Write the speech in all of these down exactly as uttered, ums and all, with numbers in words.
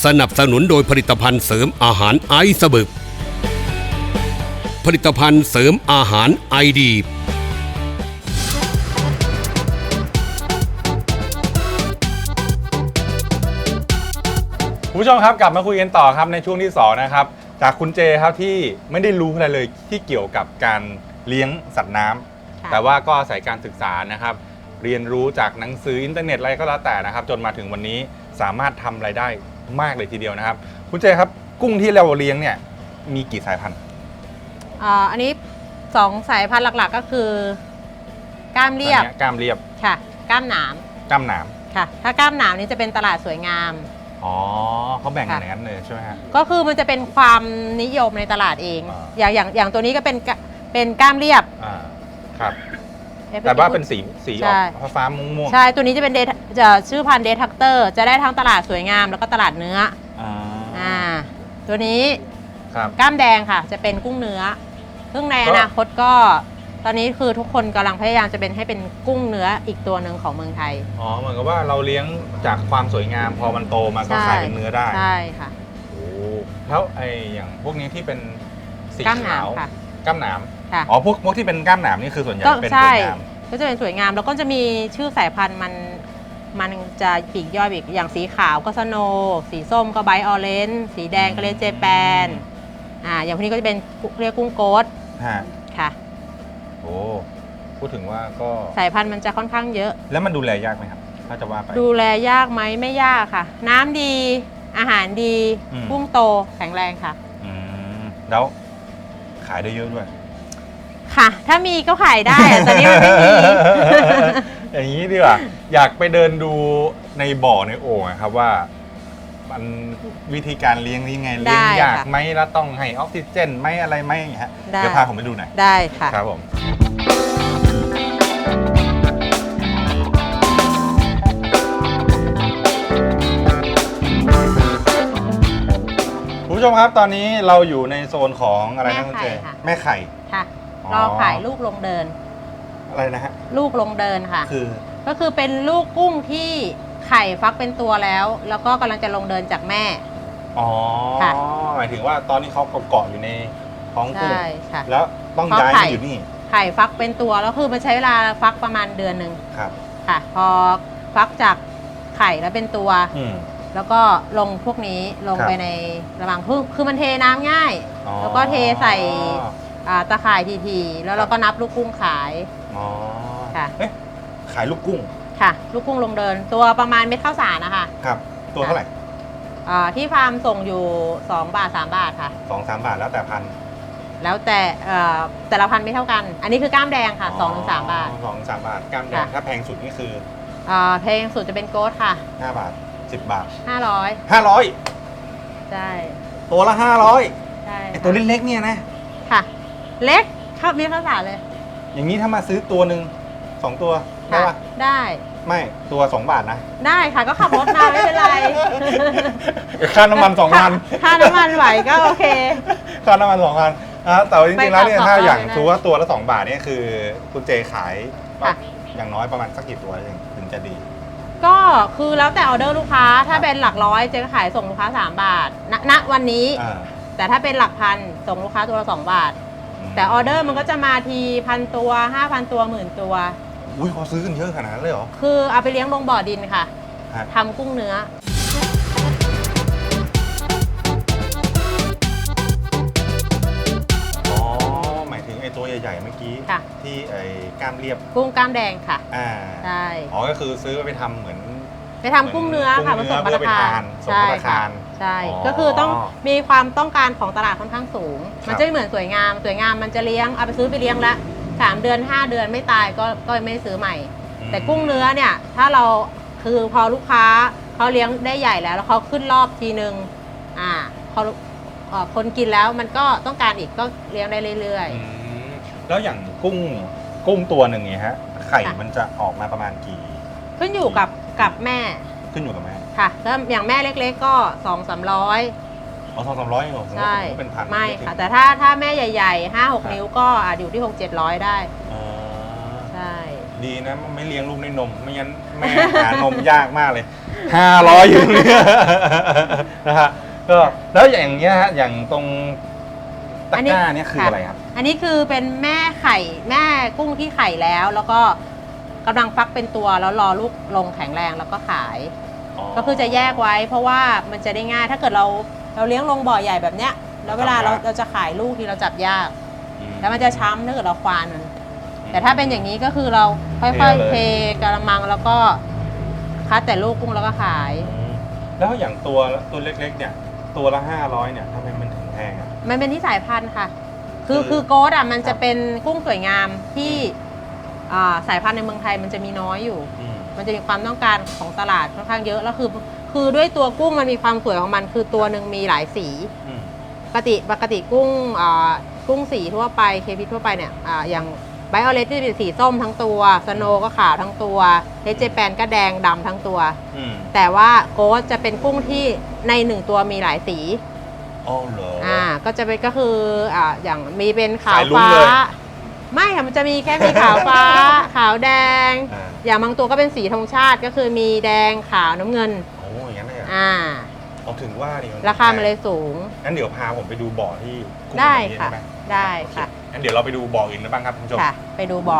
สนับสนุนโดยผลิตภัณฑ์เสริมอาหารไอซ์บึกผลิตภัณฑ์เสริมอาหารไอดีคุณผู้ชมครับกลับมาคุยกันต่อครับในช่วงที่สองนะครับจากคุณเจครับที่ไม่ได้รู้อะไรเลยที่เกี่ยวกับการเลี้ยงสัตว์น้ำแต่ว่าก็อาศัยการศึกษานะครับเรียนรู้จากหนังสืออินเทอร์เน็ตอะไรก็แล้วแต่นะครับจนมาถึงวันนี้สามารถทำรายได้มากเลยทีเดียวนะครับคุณเจครับกุ้งที่เราเลี้ยงเนี่ยมีกี่สายพันธุ์อ่าอันนี้สองสายพันธุ์หลักๆก็คือก้ามเรียบก้ามเรียบค่ะก้ามหนามก้ามหนามค่ะถ้าก้ามหนามนี้จะเป็นตลาดสวยงามอ๋อเขาแบ่งกันอย่างนั้นเลยใช่ไหมฮะก็คือมันจะเป็นความนิยมในตลาดเองอย่างอย่างอย่างตัวนี้ก็เป็นเป็นก้ามเรียบอ่าครับแต่ว่าเป็นสีสีออกฟ้าม่วงใช่ตัวนี้จะเป็นเดจะชื่อพันธุ์เดทักเตอร์จะได้ทั้งตลาดสวยงามแล้วก็ตลาดเนื้ออ่าตัวนี้ก้ามแดงค่ะจะเป็นกุ้งเนื้อซึ่งในอนาคตก็ตอนนี้คือทุกคนกำลังพยายามจะเป็นให้เป็นกุ้งเนื้ออีกตัวหนึ่งของเมืองไทยอ๋อเหมือนกับว่าเราเลี้ยงจากความสวยงามพอมันโตมาก็ขายเป็นเนื้อได้ใช่ค่ะโอ้แล้วไออย่างพวกนี้ที่เป็นสีขาวก้ามหนามอ๋อพวกพวกที่เป็นก้ามหนามนี่คือส่วนใหญ่เป็นสวยงามก็จะเป็นสวยงามแล้วก็จะมีชื่อสายพันธุ์มันมันจะปีกย่อยอีกอย่างสีขาวก็สโนสีส้มก็ไบออเรนจ์สีแดงก็เลเจแปนอ่าอย่างพวกนี้ก็จะเป็นเรียกกุ้งโกดค่ะโอ้พูดถึงว่าก็สายพันธุ์มันจะค่อนข้างเยอะแล้วมันดูแลยากไหมครับถ้าจะว่าไปดูแลยากไหมไม่ยากค่ะน้ำดีอาหารดีกุ้งโตแข็งแรงค่ะอืมแล้วขายได้เยอะด้วยค่ะถ้ามีก็ขายได้ตอนนี้มันไม่มีอย่างนี้ดีกว่าอยากไปเดินดูในบ่อในโอ่งครับว่ามันวิธีการเลี้ยงนี่ไงเลี้ยงยากไหมแล้วต้องให้ออกซิเจนไหมอะไรไหมอย่างเงี้ยเดี๋ยวพาผมไปดูหน่อยได้ค่ะครับผมคุณผู้ชมครับตอนนี้เราอยู่ในโซนของอะไรนะคุณเจแม่ไข่ค่ะรอขายลูกลงเดินอะไรนะฮะลูกลงเดินค่ะคือก็คือเป็นลูกกุ้งที่ไข่ฟักเป็นตัวแล้วแล้วก็กำลังจะลงเดินจากแม่อ๋อหมายถึงว่าตอนนี้เขาเกาะอยู่ในท้องกุ้งใช่ค่ะแล้วต้องย้ายมาอยู่นี่ไข่ฟักเป็นตัวแล้วคือมันใช้เวลาฟักประมาณเดือนหนึ่งครับค่ะพอฟักจากไข่แล้วเป็นตัวแล้วก็ลงพวกนี้ลงไปในระหว่างพึ่งคือมันเทน้ำง่ายแล้วก็เทใส่ตะข่ายทีๆแล้วเราก็นับลูกกุ้งขายอ๋อค่ะขายลูกกุ้งค่ะลูกกุ้งลงเดินตัวประมาณเม็ดข้าวสารนะคะครับตัวเท่าไหร่ที่ฟาร์มส่งอยู่สองบาทสามบาทค่ะสองสามบาทแล้วแต่พันแล้วแต่แต่ละพันไม่เท่ากันอันนี้คือก้ามแดงค่ะสองถึงสามบาทสองสามบาทก้ามแดงถ้าแพงสุดนี่คือแพงสุดจะเป็นโกดค่ะห้าบาทสิบบาทห้าร้อยห้าร้อยใช่ตัวละห้าร้อยใช่ตัวเล็กๆเนี่ยนะค่ะเล็กข้าวมีข้าวสารเลยอย่างนี้ถ้ามาซื้อตัวหนึ่งสองตัวได้ปะได้ไม่ตัวสองบาทนะได้ค่ะก็ขับรถมาไม่เป็นไรค่าน้ำมันสองพันค่าน้ำมันไหวก็โอเคค่าน้ำมันสองพันแต่จริงๆแล้วเนี่ยถ้าอย่างถือว่าตัวละสองบาทเนี่ยคือคุณเจขายอย่างน้อยประมาณสักกี่ตัวถึงจะดีก็คือแล้วแต่ออเดอร์ลูกค้าถ้าเป็นหลักร้อยเจ๊ก็ขายส่งลูกค้าสามบาทณวันนี้แต่ถ้าเป็นหลักพันส่งลูกค้าตัวละสองบาทแต่ออเดอร์มันก็จะมาทีพันตัวห้าพันตัวหมื่นตัวอุ้ยเขาซื้อกันเยอะขนาดนั้นเลยเหรอคือเอาไปเลี้ยงลงบ่อดินค่ะทำกุ้งเนื้ออ๋อหมายถึงไอ้ตัวใหญ่ๆเมื่อกี้ที่ไอ้ก้ามเรียบกุ้งก้ามแดงค่ะอ่าใช่อ๋อก็คือซื้อไปทำเหมือนไปทำกุ้งเนื้อค่ะมาส่งมาทานใช่ค่ะใช่ก็คือต้องมีความต้องการของตลาดค่อนข้างสูงมันจะไม่เหมือนสวยงามสวยงามมันจะเลี้ยงเอาไปซื้อไปเลี้ยงแล้วสามเดือนห้าเดือนไม่ตายก็ก็ไม่ซื้อใหม่แต่กุ้งเนื้อเนี่ยถ้าเราคือพอลูกค้าเขาเลี้ยงได้ใหญ่แล้วแล้วเขาขึ้นรอบทีนึงอ่าเขาคนกินแล้วมันก็ต้องการอีกก็เลี้ยงได้เรื่อยๆแล้วอย่างกุ้งกุ้งตัวหนึ่งเนี่ยฮะไข่มันจะออกมาประมาณกี่ขึ้นอยู่กับกับแม่ขึ้นอยู่กับแม่ค่ะถ้าอย่างแม่เล็กๆก็สองสามร้อยอ๋อสองสามร้อยเหรอใช่ไม่ค่ะแต่ถ้าถ้าแม่ใหญ่ๆห้าหกนิ้วก็อาจอยู่ที่หกเจ็ดร้อยได้ใช่ดีนะไม่เลี้ยงลูกด้วยนมไม่งั้นแม่หานมยากมากเลยห้าร้อยอยู่เนี่ยนะฮะก็แล้วอย่างเงี้ยฮะอย่างตรงตะกร้าเนี่ยคืออะไรครับอันนี้คือเป็นแม่ไข่แม่กุ้งที่ไข่แล้ว แล้วก็กำลังฟักเป็นตัวแล้วรอลูกลงแข็งแรงแล้วก็ขายก็คือจะแยกไว้เพราะว่ามันจะได้ง่ายถ้าเกิดเราเราเลี้ยงลงบ่อใหญ่แบบเนี้ยแล้วเวลาเราเราจะขายลูกที่เราจับยากแล้วมันจะช้ำถ้าเกิดเราควานมันแต่ถ้าเป็นอย่างนี้ก็คือเราค่อยๆเทกระมังแล้วก็คัดแต่ลูกกุ้งแล้วก็ขายแล้วอย่างตัวตัวเล็กๆเนี่ยตัวละห้าร้อยเนี่ยทำไมมันถึงแพงอ่ะมันเป็นที่สายพันธุ์ค่ะ คือคือโกดอ่ะมันจะเป็นกุ้งสวยงามที่สายพันธุ์ในเมืองไทยมันจะมีน้อยอยู่มันจะมีความต้องการของตลาดค่อนข้างเยอะแล้วคือคือด้วยตัวกุ้งมันมีความสวยของมันคือตัวหนึ่งมีหลายสีปกติปกติกุ้งกุ้งสีทั่วไปเคพีทั่วไปเนี่ยอย่างไบโอเลสที่เป็นสีส้มทั้งตัวสโนก็ขาวทั้งตัวเฮเจแปนก็แดงดำทั้งตัวแต่ว่าโกดจะเป็นกุ้งที่ในหนึ่งตัวมีหลายสีอ๋อเหรออ่าก็จะเป็นก็คืออ่าอย่างมีเป็นขาวฟ้าไม่ค่ะมันจะมีแค่มีขาวฟ้า ขาวแดง อย่างบางตัวก็เป็นสีธงชาติก็คือมีแดงขาวน้ำเงินโอ้ยงั้นเลยอ่าเอาถึงว่าดิราคามันเลยสูงงั้นเดี๋ยวพาผมไปดูบ่อที่ได้ค่ะได้ค่ะงั้นเดี๋ยวเราไปดูบ่ออื่นกันบ้างครับคุณผู้ชมค่ะไปดูบ่อ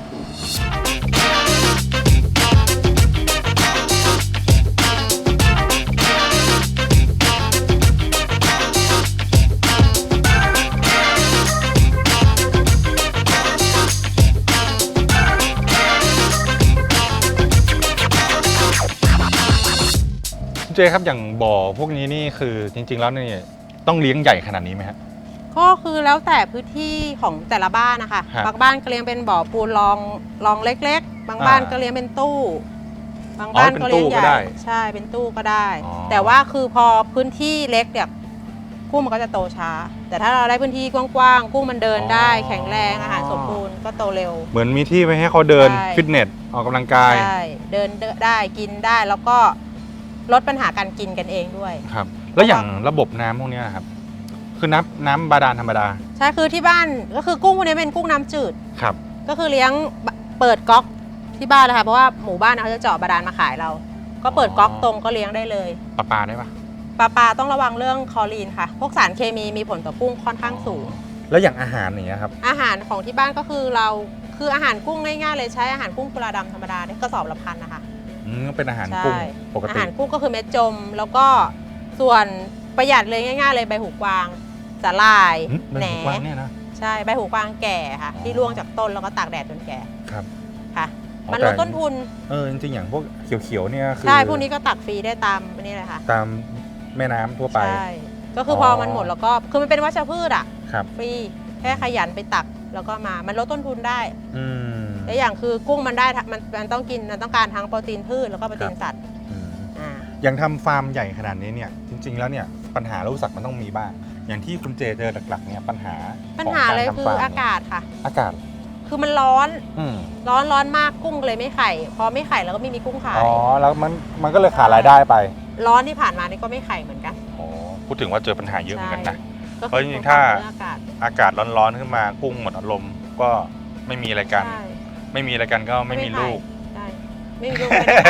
เจครับอย่างบ่อพวกนี้นี่คือจริงๆแล้วนี่ต้องเลี้ยงใหญ่ขนาดนี้ไหมครับก็คือแล้วแต่พื้นที่ของแต่ละบ้านนะคะบางบ้านก็เลี้ยงเป็นบ่อปูนรองรองเล็กๆบางบ้านก็เลี้ยงเป็นตู้บางบ้านก็เลี้ยงใหญ่ใช่เป็นตู้ก็ได้แต่ว่าคือพอพื้นที่เล็กเนี่ยกุ้งมันก็จะโตช้าแต่ถ้าเราได้พื้นที่กว้างๆกุ้งมันเดินได้แข็งแรงอาหารสมบูรณ์ก็โตเร็วเหมือนมีที่ไว้ให้เขาเดินฟิตเนสออกกำลังกายใช่เดินได้กินได้แล้วก็ลดปัญหาการกินกันเองด้วยครับแล้วอย่างระบบน้ำพวกนี้ครับคือน้ำน้ำบาดาลธรรมดาใช่คือที่บ้านก็คือกุ้งพวกนี้เป็นกุ้งน้ำจืดครับก็คือเลี้ยงเปิดก๊อกที่บ้านเลยค่ะเพราะว่าหมู่บ้านเขาจะเจาะบาดาลมาขายเราก็เปิดก๊อกตรงก็เลี้ยงได้เลยปลาปลาได้ปะปลาปลาต้องระวังเรื่องคลอรีนค่ะพวกสารเคมีมีผลต่อกุ้งค่อนข้างสูงแล้วอย่างอาหารอย่างเงี้ยครับอาหารของที่บ้านก็คือเราคืออาหารกุ้งง่ายๆเลยใช้อาหารกุ้งกุลาดำธรรมดาได้กระสอบละพันนะคะอืมเป็นอาหารกุ้งปกติอาหารกุ้งก็คือเม็ดจมแล้วก็ส่วนประหยัดเลยง่ายๆเลยใบหูกวางสาหร่ายแหนเนี่ยนะใช่ใบหูกวางแก่ค่ะที่ร่วงจากต้นแล้วก็ตากแดดจนแก่ครับค่ะมันลดต้นทุนเออจริงๆอย่างพวกเขียวๆเนี่ยคือใช่พวกนี้ก็ตักฟรีได้ตามนี่เลยค่ะตามแม่น้ำทั่วไปใช่ก็คือพอมันหมดแล้วก็คือมันเป็นวัชพืชอ่ะครับฟรีแค่ขยันไปตักแล้วก็มามันลดต้นทุนได้อืมและอย่างคือกุ้งมันได้มันมันต้องกินมันต้องการทั้งโปรตีนพืชแล้วก็โปรตีนสัตว์อ่าอย่างทำฟาร์มใหญ่ขนาดนี้เนี่ยจริงๆแล้วเนี่ยปัญหาโรคสัตว์มันต้องมีบ้างอย่างที่คุณเจเจอหลักๆเนี่ยปัญหาปัญหาเลยคืออากาศค่ะอากาศคือมันร้อนร้อนร้อนมากกุ้งเลยไม่ไข่พอไม่ไข่แล้วก็ไม่มีกุ้งขายอ๋อแล้วมันมันก็เลยขาดรายได้ไปร้อนที่ผ่านมานี่ก็ไม่ไข่เหมือนกันอ๋อพูดถึงว่าเจอปัญหาเยอะเหมือนกันนะเพราะจริงๆถ้าอากาศร้อนๆขึ้นมากุ้งหมดอารมณ์ก็ไม่มีอะไรกันไม่มีอะไรกันก็ไม่มีลูกไม่มีลูก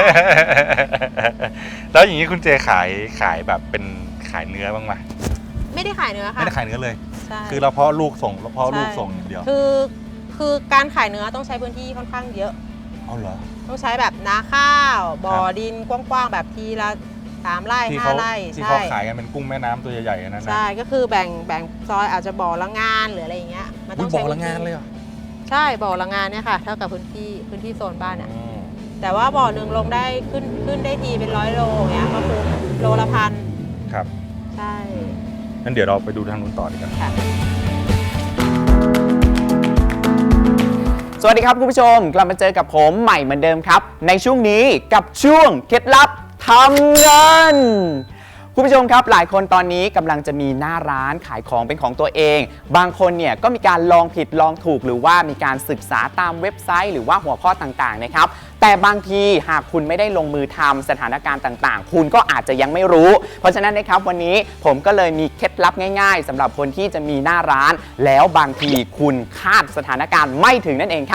แล้วอย่างนี้คุณเจขายขายแบบเป็นขายเนื้อบ้างไหมไม่ได้ขายเนื้อค่ะไม่ได้ขายเนื้อเลยคือเราเพาะลูกส่งเราเพาะลูกส่งอย่างเดียวคือคือการขายเนื้อต้องใช้พื้นที่ค่อนข้างเยอะเอาเหรอต้องใช้แบบนาข้าวบ่อดินกว้างๆแบบทีละสามไร่ห้าไร่ที่เขาขายกันเป็นกุ้งแม่น้ำตัวใหญ่ๆนั่นนะใช่ก็คือแบ่งแบ่งซอยอาจจะบ่อละงานหรืออะไรอย่างเงี้ยมันต้องใช้บ่อละงานเลยเหรอใช่บ่อละงานเนี่ยค่ะเท่ากับพื้นที่พื้นที่โซนบ้านเนี่ยแต่ว่าบ่อหนึ่งลงได้ขึ้นขึ้นได้ทีเป็นร้อยโลเงี้ยก็คือโลละพันครับใช่งั้นเดี๋ยวเราไปดูทางนู้นต่อดีกันสวัสดีครับคุณผู้ชมกลับมาเจอกับผมใหม่เหมือนเดิมครับในช่วงนี้กับช่วงเคล็ดลับทำเงินคุณผู้ชมครับหลายคนตอนนี้กำลังจะมีหน้าร้านขายของเป็นของตัวเองบางคนเนี่ยก็มีการลองผิดลองถูกหรือว่ามีการศึกษาตามเว็บไซต์หรือว่าหัวข้อต่างๆนะครับแต่บางทีหากคุณไม่ได้ลงมือทำสถานการณ์ต่างๆคุณก็อาจจะยังไม่รู้เพราะฉะนั้นนะครับวันนี้ผมก็เลยมีเคล็ดลับง่ายๆสำหรับคนที่จะมีหน้าร้านแล้วบางทีคุณคาดสถานการณ์ไม่ถึงนั่นเองครับ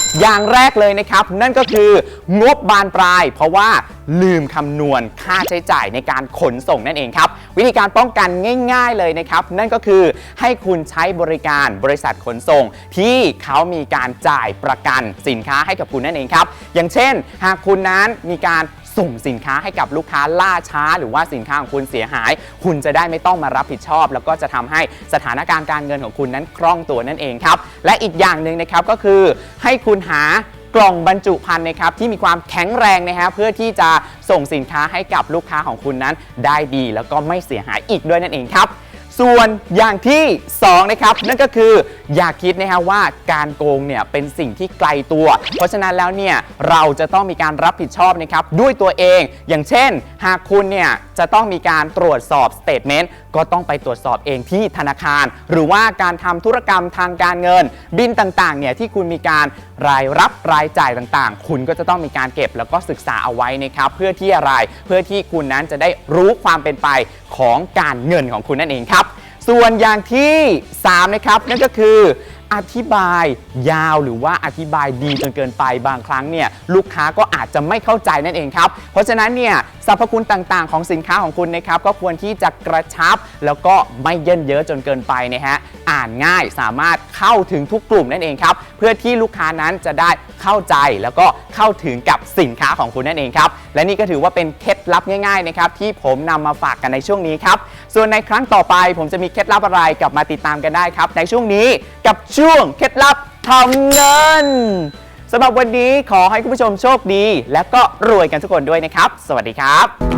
อย่างแรกเลยนะครับนั่นก็คืองบบานปลาย เพราะว่าลืมคำนวณค่าใช้จ่ายในการขนส่งนั่นเองครับวิธีการป้องกันง่ายๆเลยนะครับนั่นก็คือให้คุณใช้บริการบริษัทขนส่งที่เขามีการจ่ายประกันสินค้าให้กับคุณนั่นเองครับอย่างเช่นหากคุณนั้นมีการส่งสินค้าให้กับลูกค้าล่าช้าหรือว่าสินค้าของคุณเสียหายคุณจะได้ไม่ต้องมารับผิดชอบแล้วก็จะทำให้สถานการณ์การเงินของคุณนั้นคล่องตัวนั่นเองครับและอีกอย่างหนึ่งนะครับก็คือให้คุณหากล่องบรรจุภัณฑ์นะครับที่มีความแข็งแรงนะฮะเพื่อที่จะส่งสินค้าให้กับลูกค้าของคุณนั้นได้ดีแล้วก็ไม่เสียหายอีกด้วยนั่นเองครับส่วนอย่างที่สองนะครับนั่นก็คืออย่าคิดนะฮะว่าการโกงเนี่ยเป็นสิ่งที่ไกลตัวเพราะฉะนั้นแล้วเนี่ยเราจะต้องมีการรับผิดชอบนะครับด้วยตัวเองอย่างเช่นหากคุณเนี่ยจะต้องมีการตรวจสอบสเตทเมนต์ก็ต้องไปตรวจสอบเองที่ธนาคารหรือว่าการทำธุรกรรมทางการเงินบินต่างๆเนี่ยที่คุณมีการรายรับรายจ่ายต่างๆคุณก็จะต้องมีการเก็บแล้วก็ศึกษาเอาไว้นะครับเพื่อที่อะไรเพื่อที่คุณนั้นจะได้รู้ความเป็นไปของการเงินของคุณนั่นเองครับส่วนอย่างที่สามนะครับนั่นก็คืออธิบายยาวหรือว่าอธิบายดีจนเกินไปบางครั้งเนี่ยลูกค้าก็อาจจะไม่เข้าใจนั่นเองครับเพราะฉะนั้นเนี่ยสรรพคุณต่างๆของสินค้าของคุณนะครับก็ควรที่จะกระชับแล้วก็ไม่เยินเยอะจนเกินไปนะฮะอ่านง่ายสามารถเข้าถึงทุกกลุ่มนั่นเองครับเพื่อที่ลูกค้านั้นจะได้เข้าใจแล้วก็เข้าถึงกับสินค้าของคุณนั่นเองครับและนี่ก็ถือว่าเป็นเคล็ดลับง่ายๆนะครับที่ผมนำมาฝากกันในช่วงนี้ครับส่วนในครั้งต่อไปผมจะมีเคล็ดลับอะไรกลับมาติดตามกันได้ครับในช่วงนี้กับช่วงเคล็ดลับทำเงินสำหรับวันนี้ขอให้คุณผู้ชมโชคดีและก็รวยกันทุกคนด้วยนะครับสวัสดีครับ